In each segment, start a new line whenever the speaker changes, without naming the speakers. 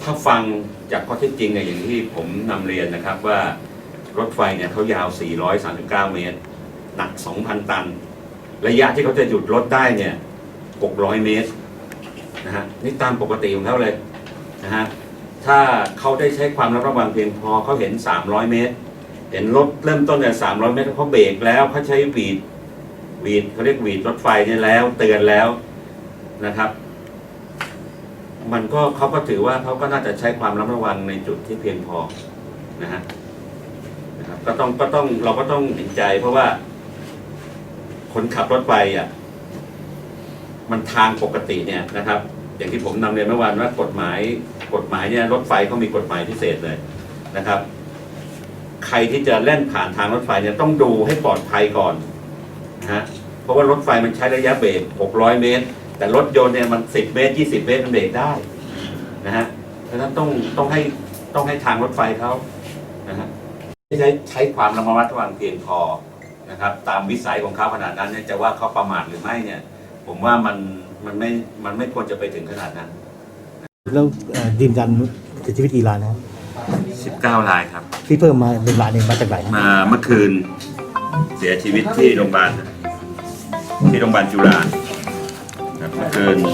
ถ้าฟังจากข้อเท็จจริงเนี่ยอย่างที่ผมนำเรียนนะครับว่ารถไฟเนี่ยเขายาว 439 เมตร หนัก 2,000 ตัน ระยะที่เขาจะหยุดรถได้เนี่ย 600 เมตรนะฮะนี่ตามปกติของเขาเลยนะฮะถ้าเขาได้ใช้ความระวังเพียงพอเขาเห็น 300 เมตร เห็นรถเริ่มต้นเนี่ย300 เมตรเขาเบรกแล้วเขาใช้หวีดเขาเรียกหวีดรถไฟเนี่ยแล้วเตือนแล้วนะครับมันก็เขาก็ถือว่าเขาก็น่าจะใช้ความระวังในจุดที่เพียงพอนะฮะนะครับก็ต้องเราก็ต้องเห็นใจเพราะว่าคนขับรถไฟอ่ะมันทางปกติเนี่ยนะครับอย่างที่ผมนำเรียนเมื่อวานว่ากฎหมายเนี่ยรถไฟเขามีกฎหมายพิเศษเลยนะครับใครที่จะเล่นผ่านทางรถไฟเนี่ยต้องดูให้ปลอดภัยก่อนนะฮะเพราะว่ารถไฟมันใช้ระยะเบรก600 เมตรแต่รถยนต์เนี่ยมัน10 เมตร 20 เมตรมันเบรกได้นะฮะเพราะฉะนั้นต้องให้ทางรถไฟเขานะฮะใช้ความระมัดระวังเพียงพอนะครับตามวิสัยของเขาขนาดนั้นเนี่ยจะว่าเขาประมาทหรือไม่เนี่ยผมว่ามันไม่ควรจะไปถึงขนาดนั้น
แล้วยืนยันเสียชีวิตกี่รายนะครับ
19 รายครับ
ที่เพิ่มมา1 รายมาจากไหน
มาเมื่อคืนเสียชีวิตที่โรงพยาบาลจุฬาครับเมื่อคืน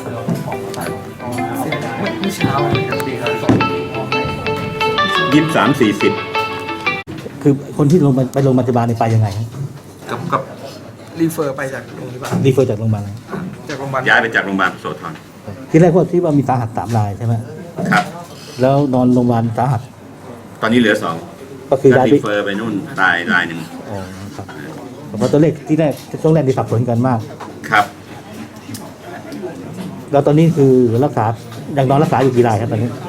เช้า
23-40
คือคนที่ไปโรงพยาบาลไปยังไง
กับ
รีเฟอร์ไปจากโรงพยาบาล
จากโรงพยาบาล
ย้ายไปจากโรงพยาบาลโสธร
ที่แรกที่ว่ามีสาหัส3 รายใช่ไหม
ครับ
แล้วนอนโรงพยาบาลสาหัส
ตอนนี้เหลือ2ก็คือย้ายรีเฟอร์ไปนู่นตายรายหนึ่ง
อ๋อครับเพราะตัวเลขที่แรกช่วงแรกที่สับสนกันมาก
ครับ
แล้วตอนนี้คือรักษายังนอนรักษาอยู่กี่รายครับตอนนี้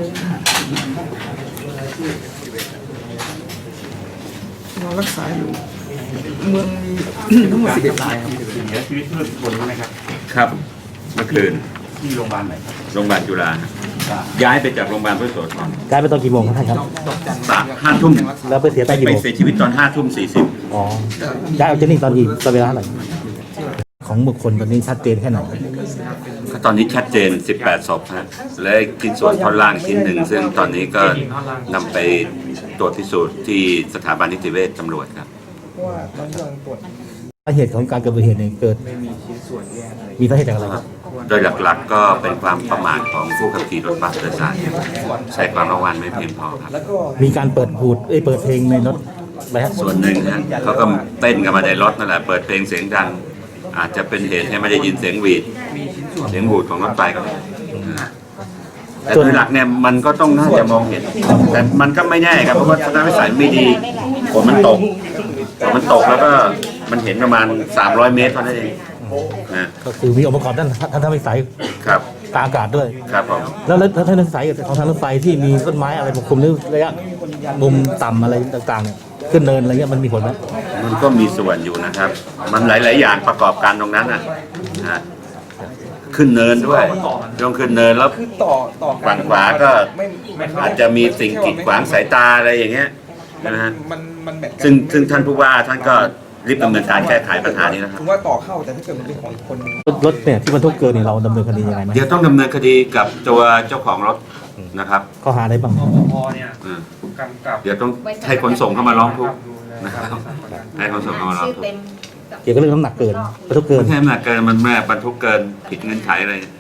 นอนรักษาอยู่เมืองมีทั้งหมด11 รายครับ
เสียชีวิตเมื่อคนไหมครับ
ครับเมื่อคืน
ที่โรงพยาบาลไหนครับ
โรงพยาบาลจุฬาย้ายไปจากโรงพยาบาลพุทธโสธร
ย้ายไปตอนกี่โมงครับท่านครับ
5 ทุ่ม
แล้วไปเสียตอนกี่โมง
ไปเสียชีวิตตอน 5:40
อ๋อย้ายออกจากนี่ตอนกี่เวลาเท่าไหร่ของบุคคลตอนนี้ชัดเจนแค่ไหน
ตอนนี้ชัดเจน18 ศพฮะและชิ้นส่วนท่อนล่างชิ้นหนึ่งซึ่งตอนนี้ก็นำไปตรวจพิสูจน์ที่สถาบันนิติเวชตำรวจครับ
สาเหตุของการเกิดอุบัติเหตุเกิดมีสาเหตุจากอะไรครับ
โดยหลักๆก็เป็นความประมาทของผู้ขับขี่รถบัสโดยสารใช้ความระวังไม่เพียงพอครับ
มีการเปิดเพลงในรถไหมครับ
ส่วนหนึ่งนะเขาก็เต้นกันมาในรถนั่นแหละเปิดเพลงเสียงดังอาจจะเป็นเหตุให้ไม่ได้ยินเสียงหวูดของรถไฟก็ได้แต่โดยหลักเนี่ยมันก็ต้องน่าจะมองเห็นแต่มันก็ไม่แน่ครับเพราะว่าทัศนวิสัยไม่ดีฝนมันตกแล้วก็มันเห็นประมาณ300 เมตรเท่านั้นเองนะ
ก็คือมีองค์ประกอบด้านทัศนวิสัย
ครับ
ตาอากาศด้วย
ครับผม
แล้วทัศนวิสัยของทางรถไฟที่มีต้นไม้อะไรปกคลุมหรือระยะมุมต่ำอะไรต่างๆเนี่ยขึ้นเนินอะไรเงี้ยมันมีผลไหม
มันก็มีส่วนอยู่นะครับมันหลายๆอย่างประกอบกันตรงนั้นนะขึ้นเนินด้วยต้องขึ้นเนินแล้วฝั่งขวาก็อาจจะมีสิ่งกีดขวางสายตาอะไรอย่างเงี้ยนะฮะซึ่งท่านผู้ว่าท่านก็รีบดำเนินการแก้ไขปัญหานี้นะครับ
ถึงว่าต่อเข้าแต่ถ้าเกิดมันเป็นของอีกคน
รถเนี่ยที่บรรทุกเกินเนี่ยเราดำเนินคดียังไงไหม
เดี๋ยวต้องดำเนินคดีกับตัวเจ้าของรถนะครับ
ข้อหาอะไรบ้าง
เนี่ย
เดี๋ยวต้องให้ขนส่งเข้ามาร้องทุกข์นะครับให้ขนส่งเข้ามาร้องทุกข์
เกี่ยวกับเรื่องน้ำหนักเกินบรรทุกเกิน
ไม่ใช่น้ำหนักเกินมันแม่บรรทุกเกินผิดเงื่อนไขอะไร